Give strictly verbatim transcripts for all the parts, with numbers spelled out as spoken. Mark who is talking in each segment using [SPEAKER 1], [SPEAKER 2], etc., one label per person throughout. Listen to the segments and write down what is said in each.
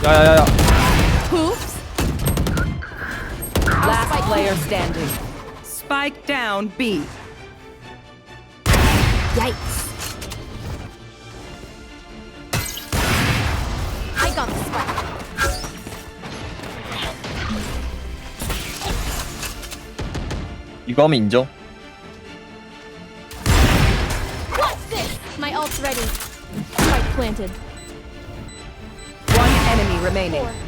[SPEAKER 1] 야야야야.
[SPEAKER 2] Oops.
[SPEAKER 3] Last player standing. Spike down B.
[SPEAKER 2] Yikes. I got the spike.
[SPEAKER 4] 이거 하면 인정.
[SPEAKER 2] What's this? My ult's ready. Spike planted.
[SPEAKER 3] One enemy remaining.
[SPEAKER 2] Four.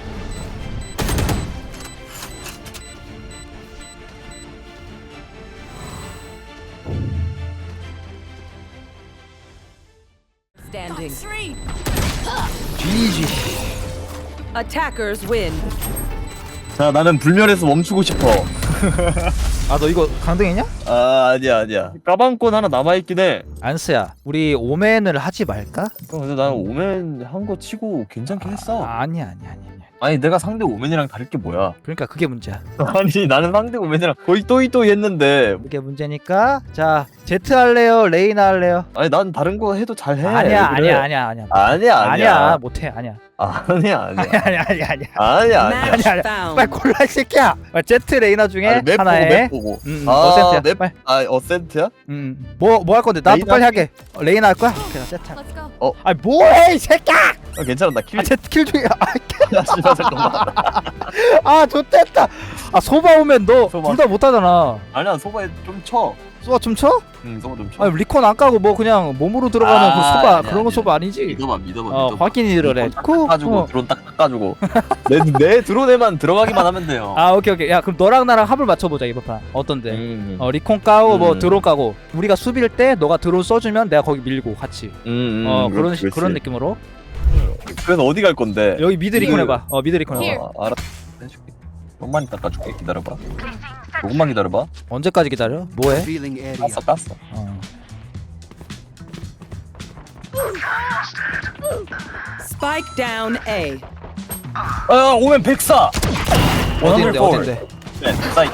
[SPEAKER 3] Standing.
[SPEAKER 2] Three.
[SPEAKER 1] 지지.
[SPEAKER 3] Attackers win.
[SPEAKER 4] 자, 나는 불멸에서 멈추고 싶어.
[SPEAKER 1] 아 너 이거 강등했냐?
[SPEAKER 4] 아, 아니야, 아니야. 까방권 하나 남아있긴 해.
[SPEAKER 1] 안스야, 우리 오맨을 하지 말까?
[SPEAKER 4] 형, 근데 나는 오멘 한 거 치고 괜찮긴 했어.
[SPEAKER 1] 아, 아니야 아니야 아니야. 아니야.
[SPEAKER 4] 아니, 내가 상대 오멘이랑 다를 게 뭐야?
[SPEAKER 1] 그러니까 그게 문제야.
[SPEAKER 4] 아니, 나는 상대 오멘이랑 거의 또이또이 했는데.
[SPEAKER 1] 그게 문제니까. 자, 제트 할래요? 레이나 할래요?
[SPEAKER 4] 아니, 난 다른 거 해도 잘해.
[SPEAKER 1] 아니야
[SPEAKER 4] 왜 그래?
[SPEAKER 1] 아니야 아니야 아니야.
[SPEAKER 4] 아니야, 아니야.
[SPEAKER 1] 아니야 못해 아니야.
[SPEAKER 4] 아니야, 아니야.
[SPEAKER 1] 아니야 아니야 아니야 아니야.
[SPEAKER 4] 아니야, 아니야.
[SPEAKER 3] Match
[SPEAKER 1] 아니야.
[SPEAKER 3] found.
[SPEAKER 1] 빨리 골라 이 새끼야. 빨리 제트 레이나 중에
[SPEAKER 4] 아니, 맵 보고,
[SPEAKER 1] 하나에.
[SPEAKER 4] 맵 보고.
[SPEAKER 1] 음, 음,
[SPEAKER 4] 아,
[SPEAKER 1] 어센트야.
[SPEAKER 4] 맵,
[SPEAKER 1] 빨리.
[SPEAKER 4] 아, 어센트야?
[SPEAKER 1] 음, 뭐 뭐 할 건데? 나도
[SPEAKER 4] 레이나?
[SPEAKER 1] 빨리 하게. 어, 레이나 할 거야? 오케이, 나 제트. 할게.
[SPEAKER 2] Let's go.
[SPEAKER 1] 아니 뭐해 이 새끼야!
[SPEAKER 4] 아, 괜찮아, 나 킬.
[SPEAKER 1] 아 제트 킬 중이야.
[SPEAKER 4] 야, 씨발, 잠깐만.
[SPEAKER 1] 아 좋댔다. 아 소바 오면 너
[SPEAKER 4] 소바.
[SPEAKER 1] 둘 다 못하잖아.
[SPEAKER 4] 아니야, 소바에 좀 쳐.
[SPEAKER 1] 소바 좀 쳐?
[SPEAKER 4] 응, 소바 좀 쳐.
[SPEAKER 1] 아니 리콘 안 까고 뭐 그냥 몸으로 들어가는
[SPEAKER 4] 아,
[SPEAKER 1] 그 소바
[SPEAKER 4] 아니야,
[SPEAKER 1] 그런 거
[SPEAKER 4] 아니야.
[SPEAKER 1] 소바 아니지?
[SPEAKER 4] 믿어봐, 믿어봐,
[SPEAKER 1] 어
[SPEAKER 4] 믿어봐.
[SPEAKER 1] 확인이래.
[SPEAKER 4] 닦아주고
[SPEAKER 1] 어.
[SPEAKER 4] 드론 딱 닦아주고 내, 내 드론에만 들어가기만 하면 돼요.
[SPEAKER 1] 아 오케이 오케이. 야 그럼 너랑 나랑 합을 맞춰보자 이번 판. 어떤데?
[SPEAKER 4] 음,
[SPEAKER 1] 어 리콘 까고 뭐
[SPEAKER 4] 음.
[SPEAKER 1] 드론 까고 우리가 수비일 때 너가 드론 써주면 내가 거기 밀고 같이.
[SPEAKER 4] 음, 음,
[SPEAKER 1] 어 그런
[SPEAKER 4] 그렇지,
[SPEAKER 1] 식
[SPEAKER 4] 그렇지.
[SPEAKER 1] 그런 느낌으로.
[SPEAKER 4] 그래서 어디 갈 건데?
[SPEAKER 1] 여기 미드 리콘
[SPEAKER 4] 이거-
[SPEAKER 1] 해봐. 어 미드 리콘 해봐.
[SPEAKER 2] Here.
[SPEAKER 4] 어, 알았어, 해줄게. 조금만 닦아줄게. 기다려봐. 조금만 기다려봐.
[SPEAKER 1] 언제까지 기다려? 뭐해?
[SPEAKER 4] 깠어, 깠어.
[SPEAKER 1] 어.
[SPEAKER 3] Spike down A.
[SPEAKER 4] 아, 오면 백사.
[SPEAKER 1] 어딘데 어딘데?
[SPEAKER 4] 네, 사이.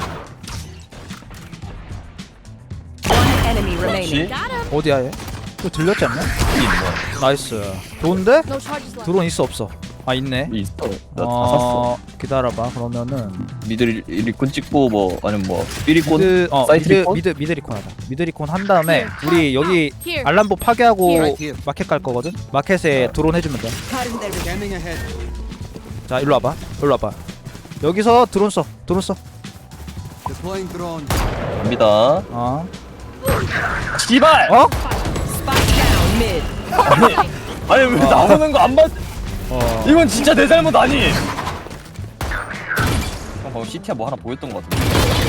[SPEAKER 3] One enemy remaining.
[SPEAKER 4] 그렇지.
[SPEAKER 2] Got him.
[SPEAKER 1] 어디야 얘? 또 들렸지 않냐?
[SPEAKER 4] 여기 있네.
[SPEAKER 1] 나이스. 좋은데?
[SPEAKER 2] No charges left.
[SPEAKER 1] 드론 있어 없어? 아 있네.
[SPEAKER 4] 여기 있어. 나 다 샀어.
[SPEAKER 1] 어 기다려봐. 그러면은
[SPEAKER 4] 미드 리- 리콘 찍고 뭐 아니면 뭐 삐리콘.
[SPEAKER 1] 미드 어
[SPEAKER 4] 사이트
[SPEAKER 1] 미드
[SPEAKER 4] 리콘?
[SPEAKER 1] 미드 미드 리콘 하자. 미드 리콘 한 다음에 우리 여기
[SPEAKER 2] Here.
[SPEAKER 1] 알람보 파괴하고
[SPEAKER 2] Here.
[SPEAKER 1] 마켓 갈 거거든. 마켓에 드론 해주면 돼. 자 일로 와봐. 일로 와봐. 여기서 드론 써. 드론 써.
[SPEAKER 4] 갑니다.
[SPEAKER 1] 어.
[SPEAKER 4] 씨발.
[SPEAKER 1] 어?
[SPEAKER 3] Spike down mid.
[SPEAKER 4] 아니, 아니 왜 나오는 거 안 봤?
[SPEAKER 1] 어.
[SPEAKER 4] 이건 진짜 내 잘못 아니. 형 방금 시티야 뭐 하나 보였던 것 같은데.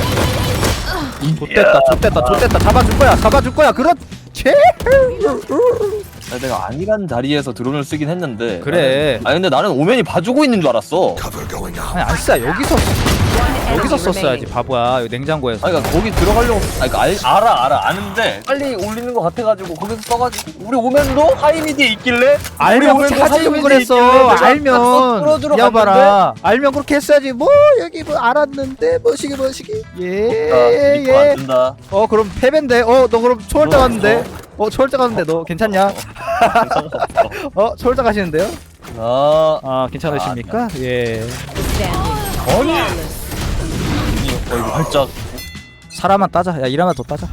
[SPEAKER 1] 좆됐다. 좆됐다. 좆됐다. 잡아줄 거야. 잡아줄 거야. 그렇지.
[SPEAKER 4] 아니, 내가 아니란 자리에서 드론을 쓰긴 했는데.
[SPEAKER 1] 그래.
[SPEAKER 4] 아니 근데 나는 오면이 봐주고 있는 줄 알았어.
[SPEAKER 1] 아니 안 써. 여기서
[SPEAKER 3] One
[SPEAKER 1] 여기서
[SPEAKER 3] enemy
[SPEAKER 1] 썼어야지.
[SPEAKER 3] remaining.
[SPEAKER 1] 바보야. 여기 냉장고에서.
[SPEAKER 4] 아니 그러니까 거기 들어가려고. 아니 그러니까 알, 알아 알아 아는데 빨리 올리는 것 같아가지고 거기서 써가지고 우리 오면도 하이미디에 있길래. 우리
[SPEAKER 1] 알면
[SPEAKER 4] 오면도
[SPEAKER 1] 그렇게 하지
[SPEAKER 4] 하이미디에
[SPEAKER 1] 그랬어.
[SPEAKER 4] 있길래 내가 딱
[SPEAKER 1] 알면
[SPEAKER 4] 끌어들어
[SPEAKER 1] 이어봐라. 알면 그렇게 했어야지. 뭐 여기 뭐 알았는데 뭐시기 뭐시기. 예
[SPEAKER 4] 리코 안
[SPEAKER 1] 예.
[SPEAKER 4] 된다.
[SPEAKER 1] 어 그럼 패배인데. 어 너 그럼 초월자
[SPEAKER 4] 그럼
[SPEAKER 1] 갔는데. 어 초월자 갔는데 너 괜찮냐?
[SPEAKER 4] 상관없어.
[SPEAKER 1] 어 초월자 가시는데요?
[SPEAKER 4] 아
[SPEAKER 1] 아 괜찮으십니까? 예.
[SPEAKER 3] Standing.
[SPEAKER 4] 아니. 어 이거 활짝.
[SPEAKER 1] 사람만 따자. 야 일하면 더 따자.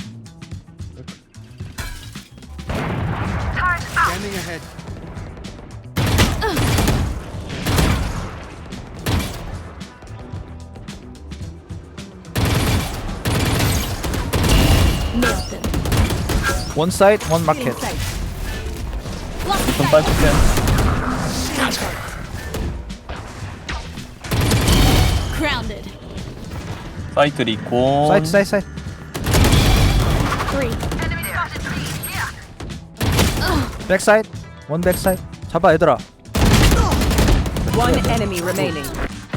[SPEAKER 2] Nailed them.
[SPEAKER 1] 원 사이드 원 마켓.
[SPEAKER 2] Sight. Block the
[SPEAKER 4] 좀
[SPEAKER 2] sight.
[SPEAKER 4] 빨리
[SPEAKER 2] Grounded.
[SPEAKER 4] 사이트 리콘.
[SPEAKER 1] 사이드 사이드 사이드.
[SPEAKER 2] Three.
[SPEAKER 1] 백 사이드. 원 백 사이드. 잡아 얘들아.
[SPEAKER 3] One enemy remaining.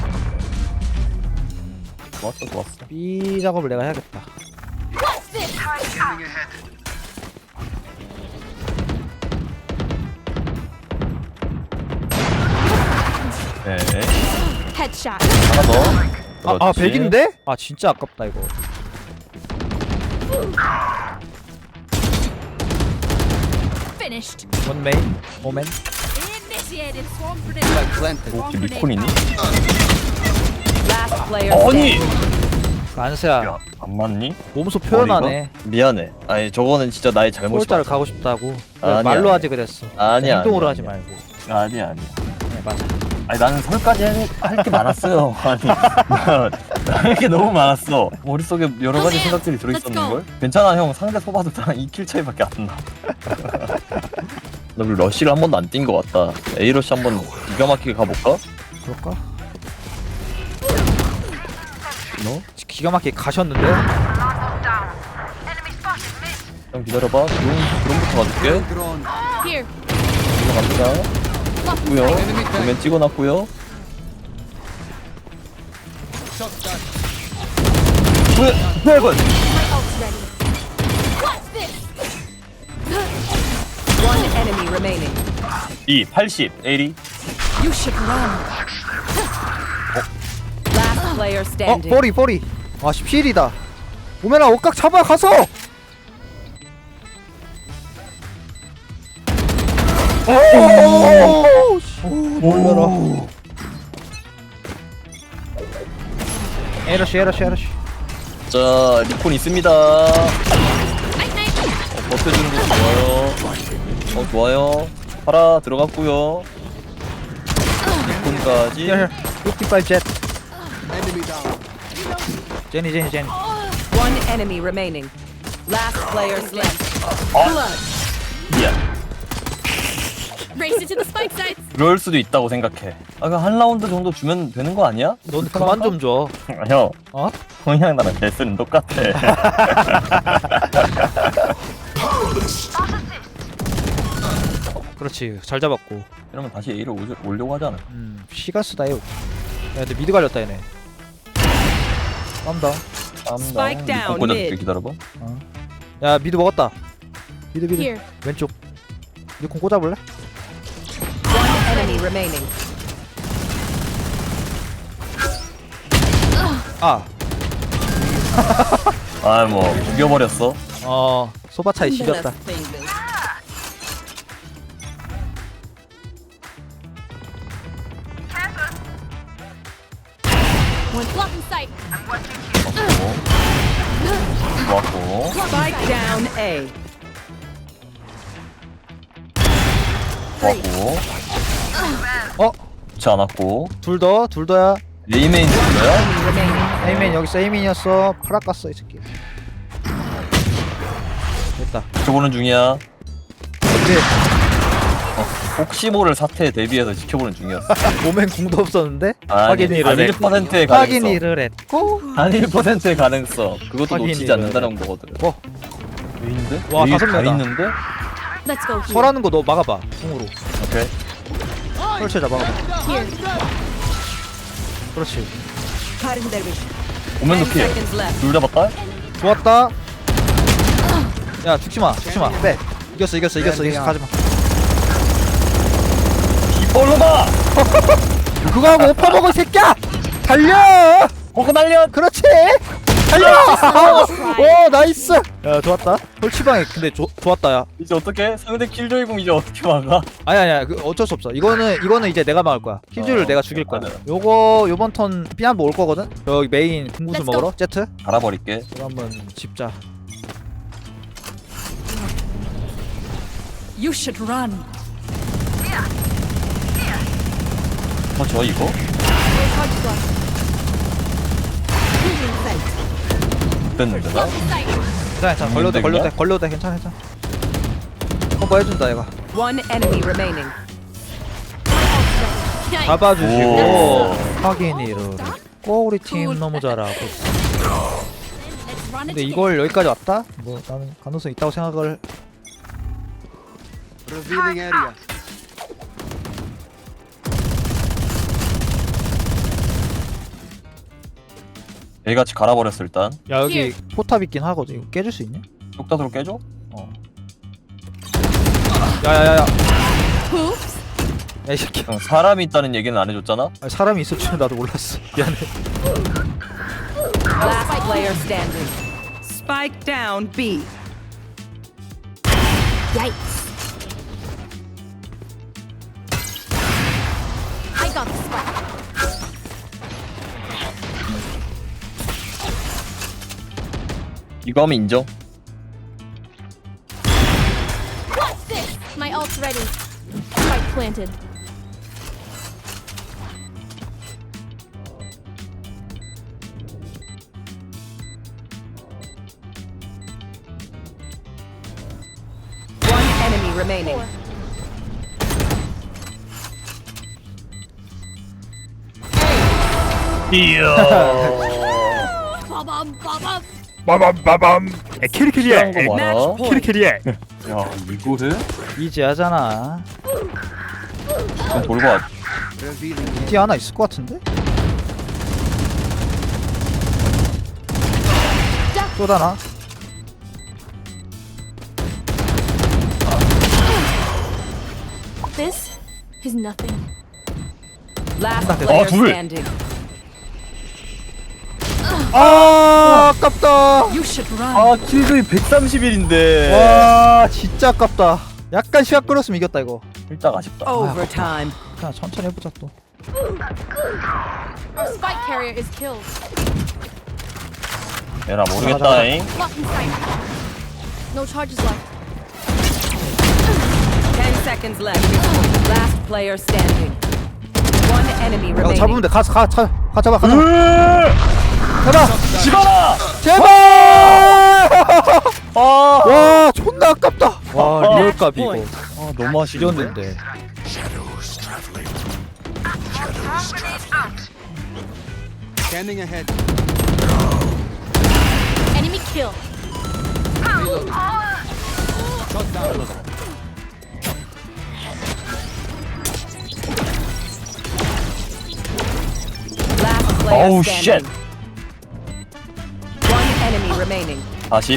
[SPEAKER 4] 좋았어 좋았어.
[SPEAKER 1] B 작업을 내가 해야겠다.
[SPEAKER 2] What's this?
[SPEAKER 4] 네.
[SPEAKER 2] Headshot.
[SPEAKER 4] 하나 더.
[SPEAKER 1] 아, 아
[SPEAKER 4] 그렇지.
[SPEAKER 1] 백인데? 아 진짜 아깝다 이거.
[SPEAKER 2] Finished.
[SPEAKER 1] 원 메인 오멘.
[SPEAKER 2] In this Initiated swarm grenade.
[SPEAKER 4] 오, 지금 리콘이니?
[SPEAKER 3] Last player
[SPEAKER 4] 아니!
[SPEAKER 3] standing.
[SPEAKER 1] 안세야
[SPEAKER 4] 야, 안 맞니?
[SPEAKER 1] 몸소 표현하네.
[SPEAKER 4] 미안해. 아니 저거는 진짜 나의 잘못이
[SPEAKER 1] 폴자를
[SPEAKER 4] 맞아.
[SPEAKER 1] 가고 싶다고.
[SPEAKER 4] 아니야,
[SPEAKER 1] 말로
[SPEAKER 4] 아니야.
[SPEAKER 1] 하지 그랬어.
[SPEAKER 4] 아니야,
[SPEAKER 1] 행동으로
[SPEAKER 4] 아니야,
[SPEAKER 1] 하지
[SPEAKER 4] 아니야.
[SPEAKER 1] 말고.
[SPEAKER 4] 아니야 아니야.
[SPEAKER 1] 네 맞아.
[SPEAKER 4] 아니 나는 설까지 할 게 많았어요. 아니 할 게 너무 많았어. 머릿속에 여러 가지 생각들이 들어있었는 걸. 괜찮아 형. 상대 소바도 나랑 이 킬 차이밖에 안 나. 나 그리고 러쉬를 한 번도 안 뛴 것 같다. A 러쉬 한 번 기가 막히게 가볼까?
[SPEAKER 1] 그럴까?
[SPEAKER 4] 너?
[SPEAKER 1] 기가 막히게 가셨는데?
[SPEAKER 4] 형 기다려봐. 드론, 드론부터 가줄게.
[SPEAKER 2] Here.
[SPEAKER 4] 이거 갑니다. 고요. 도면 찍어놨고요. 왜? 왜 이건?
[SPEAKER 2] My ult's ready. What's this?
[SPEAKER 3] One enemy remaining.
[SPEAKER 4] 이 팔십 에이리.
[SPEAKER 3] You should run. Last player
[SPEAKER 1] 어?
[SPEAKER 3] standing.
[SPEAKER 1] 뽀리 뽀리. 아 십칠이다. 오메나 옷각 잡아 가서. 오! 놀라라. 에러시 에러시 에러시.
[SPEAKER 4] 자 리콘 있습니다.
[SPEAKER 2] Night night.
[SPEAKER 4] 어, 버텨주는 거 좋아요. 어 좋아요. 파라 들어갔고요. 리콘까지.
[SPEAKER 1] Here, fifty-five jet. 제니 제니 제니.
[SPEAKER 3] One enemy remaining. Last players left.
[SPEAKER 4] 미안.
[SPEAKER 2] Race it to the spike sites.
[SPEAKER 4] 그럴 수도 있다고 생각해. 아, 그한 라운드 정도 주면 되는 거 아니야?
[SPEAKER 1] 넌 그만 좀 줘.
[SPEAKER 4] 아, 형,
[SPEAKER 1] 어?
[SPEAKER 4] 형이랑 나랑 데스는 똑같아.
[SPEAKER 1] 그렇지. 잘 잡았고.
[SPEAKER 4] 이러면 다시 A를 오려, 오려고 하잖아.
[SPEAKER 1] 음, 시간 쓰다 이거. 야, 근데 미드 갈렸다 얘네. 깜다.
[SPEAKER 3] Spike down,
[SPEAKER 4] 꽂아줄게.
[SPEAKER 3] mid.
[SPEAKER 4] 기다려봐.
[SPEAKER 1] 야, 미드 먹었다. 미드 미드.
[SPEAKER 2] Here.
[SPEAKER 1] 왼쪽. 니콘 꽂아볼래?
[SPEAKER 3] One enemy remaining.
[SPEAKER 1] 아,
[SPEAKER 4] 아, 뭐 죽여버렸어.
[SPEAKER 1] 어, 소바 차이 지렸다.
[SPEAKER 2] One block in sight.
[SPEAKER 4] 좋았고.
[SPEAKER 3] Spike down A.
[SPEAKER 4] 좋았고.
[SPEAKER 1] 어,
[SPEAKER 4] 좋지 않았고.
[SPEAKER 1] 둘 더, 둘 더야.
[SPEAKER 4] A메인 정도야?
[SPEAKER 3] Remaining.
[SPEAKER 1] 에이맨 여기서 에이맨이었어. 파라 깠어 이 새끼. 됐다.
[SPEAKER 4] 지켜보는 중이야.
[SPEAKER 1] 근데
[SPEAKER 4] 혹시 모를 사태에 대비해서 지켜보는 중이었어.
[SPEAKER 1] 오멘 궁도 없었는데
[SPEAKER 4] 아니,
[SPEAKER 1] 확인을
[SPEAKER 4] 한 일
[SPEAKER 1] 했고.
[SPEAKER 4] 퍼센트의 가능성.
[SPEAKER 1] 확인을 했고.
[SPEAKER 4] 한 일 퍼센트의 가능성. 그것도
[SPEAKER 1] 확인이
[SPEAKER 4] 놓치지 않는다는 거거든.
[SPEAKER 1] 어,
[SPEAKER 4] 왜 있는데?
[SPEAKER 1] 와,
[SPEAKER 4] A
[SPEAKER 1] 다섯
[SPEAKER 4] 다
[SPEAKER 1] 명이다.
[SPEAKER 4] 있는데?
[SPEAKER 2] Let's go here.
[SPEAKER 1] 설하는 거 너 막아봐. 궁으로.
[SPEAKER 4] 오케이.
[SPEAKER 1] 설치자 막아봐.
[SPEAKER 2] Here.
[SPEAKER 1] 그렇지.
[SPEAKER 4] 오면
[SPEAKER 3] Ten
[SPEAKER 4] 높이.
[SPEAKER 3] seconds left.
[SPEAKER 4] 둘 잡았다?
[SPEAKER 1] 좋았다. 야 죽지 마, 죽지 마. 빼. 이겼어, 이겼어, 이겼어, 이겼어. 가지 마.
[SPEAKER 4] 이볼로마!
[SPEAKER 1] 그거 하고 오퍼 먹어 이 새끼야. 달려.
[SPEAKER 4] 호그 날려!
[SPEAKER 1] 그렇지. 달려. 오 나이스. 야 좋았다. 홀치방에 근데 조, 좋았다 야.
[SPEAKER 4] 이제 어떻게? 상대 킬조이공 이제 어떻게 막아?
[SPEAKER 1] 아니 아니야. 그 어쩔 수 없어. 이거는 이거는 이제 내가 막을 거야. 킬줄을
[SPEAKER 4] 어,
[SPEAKER 1] 내가 죽일 거야.
[SPEAKER 4] 맞아.
[SPEAKER 1] 요거 요번 턴 피한번 올 거거든. 여기 메인 궁구슬
[SPEAKER 2] Let's
[SPEAKER 1] 먹으러 제트.
[SPEAKER 4] 갈아버릴게.
[SPEAKER 1] 이거 한번 집자.
[SPEAKER 3] You should run.
[SPEAKER 4] 어, 저 이거?
[SPEAKER 2] Where's Hodge block? Moving sight.
[SPEAKER 4] 됐는데 나?
[SPEAKER 2] Block in sight.
[SPEAKER 1] 괜찮아 괜찮아. 걸려도 돼 걸려도 돼 걸려도 돼 괜찮아 괜찮아. 커버 해준다 얘가.
[SPEAKER 3] One enemy remaining.
[SPEAKER 2] Nice.
[SPEAKER 1] 잡아주시고
[SPEAKER 4] 오.
[SPEAKER 1] 확인이를 했고 우리 팀 너무 잘하고 있어.
[SPEAKER 2] Let's run
[SPEAKER 1] 근데
[SPEAKER 2] it
[SPEAKER 1] 이걸 여기까지 왔다? 뭐 나는 가능성 있다고 생각을.
[SPEAKER 4] 얘같이 갈아버렸어 일단.
[SPEAKER 1] 야 여기
[SPEAKER 2] Here.
[SPEAKER 1] 포탑 있긴 하거든. 이거 깨줄 수 있냐?
[SPEAKER 4] 뚝따으로 깨줘?
[SPEAKER 1] 어. 야야야야.
[SPEAKER 2] Oops.
[SPEAKER 1] 야 이 새끼.
[SPEAKER 4] 형 사람이 있다는 얘기는 안 해줬잖아?
[SPEAKER 1] 아니, 사람이 있을 줄 나도 몰랐어. 미안해.
[SPEAKER 3] Last player standing. Spike down B.
[SPEAKER 2] Yikes. Take out the spike.
[SPEAKER 4] 이거 하면 인정.
[SPEAKER 2] What's this? My ult's ready. Spike planted.
[SPEAKER 3] One enemy remaining.
[SPEAKER 2] Four.
[SPEAKER 4] 이야.
[SPEAKER 2] Bum bum.
[SPEAKER 1] 빠밤빠밤. 에 키리키리해.
[SPEAKER 4] 필요한 거
[SPEAKER 3] Match
[SPEAKER 4] 많아.
[SPEAKER 3] point.
[SPEAKER 1] 키리키리해.
[SPEAKER 4] 야 이거를
[SPEAKER 1] 이지 하잖아.
[SPEAKER 4] 그럼 돌고 왔.
[SPEAKER 1] 뒤 하나 있을 것 같은데? 쏘다나?
[SPEAKER 2] This is nothing.
[SPEAKER 3] Last
[SPEAKER 1] 아,
[SPEAKER 3] player
[SPEAKER 4] 둘.
[SPEAKER 3] standing.
[SPEAKER 1] 아 아깝다.
[SPEAKER 3] You should run.
[SPEAKER 4] 아 킬조이 백삼십일인데.
[SPEAKER 1] 와 진짜 아깝다. 약간 시간 끌었으면 이겼다 이거.
[SPEAKER 4] 살짝 아쉽다.
[SPEAKER 3] Overtime.
[SPEAKER 1] 그냥 천천히 해보자 또.
[SPEAKER 2] Our spike carrier is killed.
[SPEAKER 4] 얘나 모르겠다잉.
[SPEAKER 2] Lock in sight. No charges left.
[SPEAKER 3] Ten seconds left. Last player standing. One enemy
[SPEAKER 1] 야
[SPEAKER 3] remaining.
[SPEAKER 1] 잡으면 돼. 가서 가, 가, 가 잡아, 가 잡아. 잡아.
[SPEAKER 4] 집어라.
[SPEAKER 1] 제발.
[SPEAKER 4] 아,
[SPEAKER 1] 와 존나 아깝다. 와
[SPEAKER 4] 아,
[SPEAKER 1] 리얼값 이거.
[SPEAKER 4] 아 너무 아쉬운데.
[SPEAKER 1] 지렸는데.
[SPEAKER 5] Scanning ahead.
[SPEAKER 2] Enemy kill.
[SPEAKER 3] Last player
[SPEAKER 4] 어우
[SPEAKER 3] standing.
[SPEAKER 4] 쉣.
[SPEAKER 3] One enemy remaining.
[SPEAKER 4] 사십.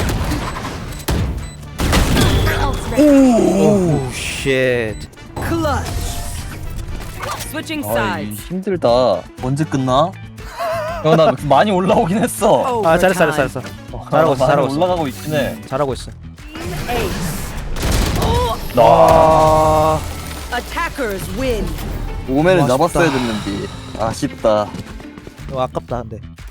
[SPEAKER 2] Ult's ready.
[SPEAKER 1] 오 쉣.
[SPEAKER 3] Switching
[SPEAKER 4] 아 이
[SPEAKER 3] sides.
[SPEAKER 4] 힘들다. 언제 끝나? 야나 많이 올라오긴 했어.
[SPEAKER 1] 아 잘했어 잘했어 잘했어.
[SPEAKER 4] 어,
[SPEAKER 1] 잘하고 있어,
[SPEAKER 4] 많이
[SPEAKER 1] 잘하고 있어.
[SPEAKER 4] 올라가고 있긴 해.
[SPEAKER 1] 잘하고 있어.
[SPEAKER 4] 나
[SPEAKER 1] 아
[SPEAKER 3] Attackers win.
[SPEAKER 4] 오면은
[SPEAKER 1] 아쉽다.
[SPEAKER 4] 잡았어야 됐는데 아쉽다.
[SPEAKER 1] 이거 아깝다 근데.